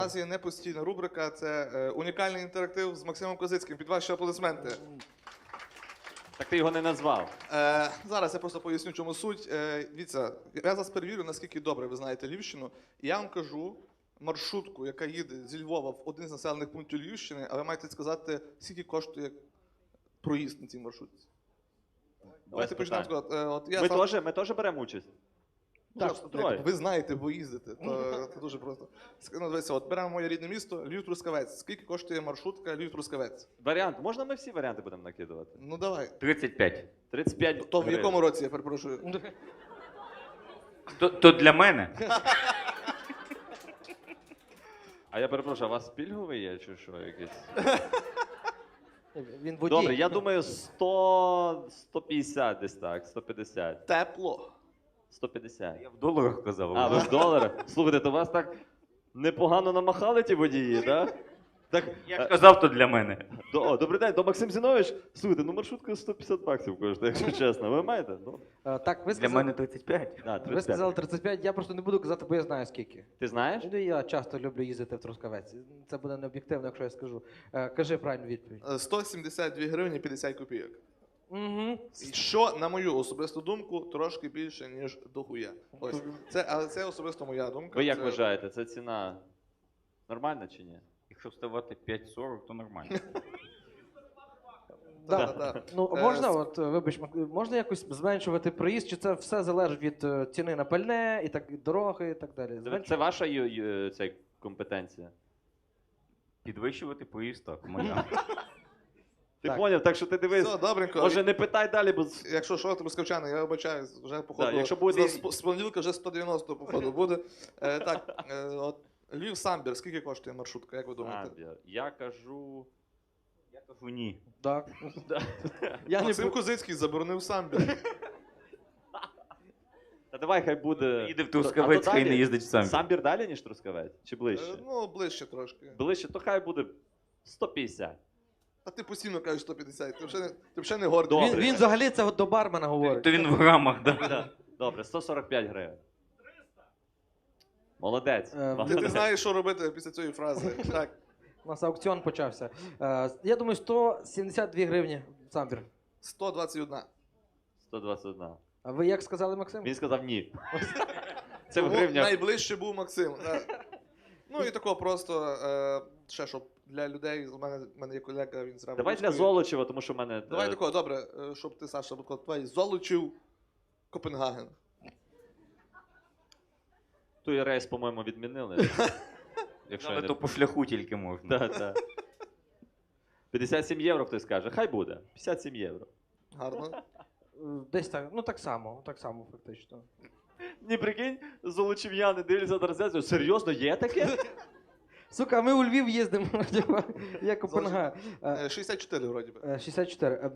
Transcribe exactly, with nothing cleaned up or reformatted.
У нас є непостійна рубрика, це е, унікальний інтерактив з Максимом Козицьким. Під ваші аплодисменти. Так ти його не назвав. Е, зараз я просто поясню, чому суть. Е, дивіться, я зараз перевірю, наскільки добре ви знаєте Львівщину. І я вам кажу маршрутку, яка їде зі Львова в один з населених пунктів Львівщини, а ви маєте сказати, скільки коштує проїзд на цій маршрутці. Давайте почнемо сказати. Е, от я Ми сам... теж ми теж беремо участь. Так, троє. ви знаєте, бо їздите, то це дуже просто. Ну, дивіться, от беремо моє рідне місто, Львів-Трускавець. Скільки коштує маршрутка Львів-Трускавець? Варіант. Можна ми всі варіанти будемо накидувати? Ну давай. тридцять п'ять. тридцять п'ять То в гривень. якому році, я перепрошую? То, то для мене. А я перепрошую, а у вас пільговий є чи що якийсь? Він водій. Добре, я думаю сто, сто п'ятдесят десь так, сто п'ятдесят. Тепло. сто п'ятдесят. Я в доларах казав. А, ви в доларах? Слухайте, то вас так непогано намахали ті водії, так? Так, Я е, ж казав, то для мене. до, о, добрий день, до Максим Зінович. Слухайте, ну маршрутка сто п'ятдесят баксів коштує, якщо чесно. Ви маєте? Ну, Е, Так, ви Для сказали, мене тридцять п'ять. да, ви тридцять п'ять. сказали тридцять п'ять, я просто не буду казати, бо я знаю скільки. Ти знаєш? Ну, я часто люблю їздити в Трускавець. Це буде не об'єктивно, якщо я скажу. Е, Кажи правильну відповідь. Е, сто сімдесят дві гривні п'ятдесят копійок. Угу. І що, на мою особисту думку, трошки більше, ніж дохуя. Ось. Це, але це особисто моя думка. Ви як Це- вважаєте, це ціна нормальна чи ні? Якщо вставати п'ять сорок, то нормально. Да, Да. да. Ну, Е, можна, с- от, е, вибач, Мак- можна якось зменшувати проїзд, чи це все залежить від е, ціни на пальне, і так, від дороги і так далі? Це, Зменшувати? це ваша ю- ю- ця компетенція? Підвищувати поїзд, так, моя. Ти Так. поняв, так що ти дивись. Все, добренько. Може не питай далі, бо з- Якщо що, трускавчани, я вибачаюсь, вже походу. Да, якщо буде- з, з понеділка вже сто дев'яносто походу буде. Е, так, е, от Львів Самбір, скільки коштує маршрутка, як ви думаєте? Самбір. Я кажу. Я кажу ні. Так. Да. Я не Максим бу- Козицький заборонив Самбір. Та давай хай буде. Їде в А Трускавець, то хай далі? не їздить в Самбір. Самбір далі, ніж Трускавець? Чи Е, ближче? ну, ближче трошки. Ближче, то хай буде сто п'ятдесят. А ти постійно кажеш сто п'ятдесят, ти вже не, ти вже не гордий. Добре. Він, він взагалі це от до бармена говорить. То він в грамах, да. Да. Добре, сто сорок п'ять гривень. Молодець. Е, Ти, ти знаєш, що робити після цієї фрази. Так, У нас аукціон почався. Е, Я думаю, сто сімдесят дві гривні самбір. сто двадцять один. сто двадцять один. А ви як сказали, Максим? Він сказав ні. Це в Тому гривнях. найближче був Максим. Так. Ну і тако просто, е, ще щоб для людей, у мене, у мене є колега, він зразу. Давай для Золочева, тому що в мене. Давай е, такого, добре, е, щоб ти, Саша, був твій Золочів, Копенгаген. Той рейс, по-моєму, відмінили. Якщо я Але не... то по шляху тільки можна. Да, да. п'ятдесят сім євро хтось каже. Хай буде. п'ятдесят сім євро. Гарно. Е, Десь так, ну так само, так само фактично. Ні, прикинь, золочів'яни дивляться на трансляцію. Серйозно, є таке? Сука, ми у Львів їздимо, типа, як Копенгаген. Е, Е, шістдесят чотири, вроді би. е, шістдесят чотири. Е,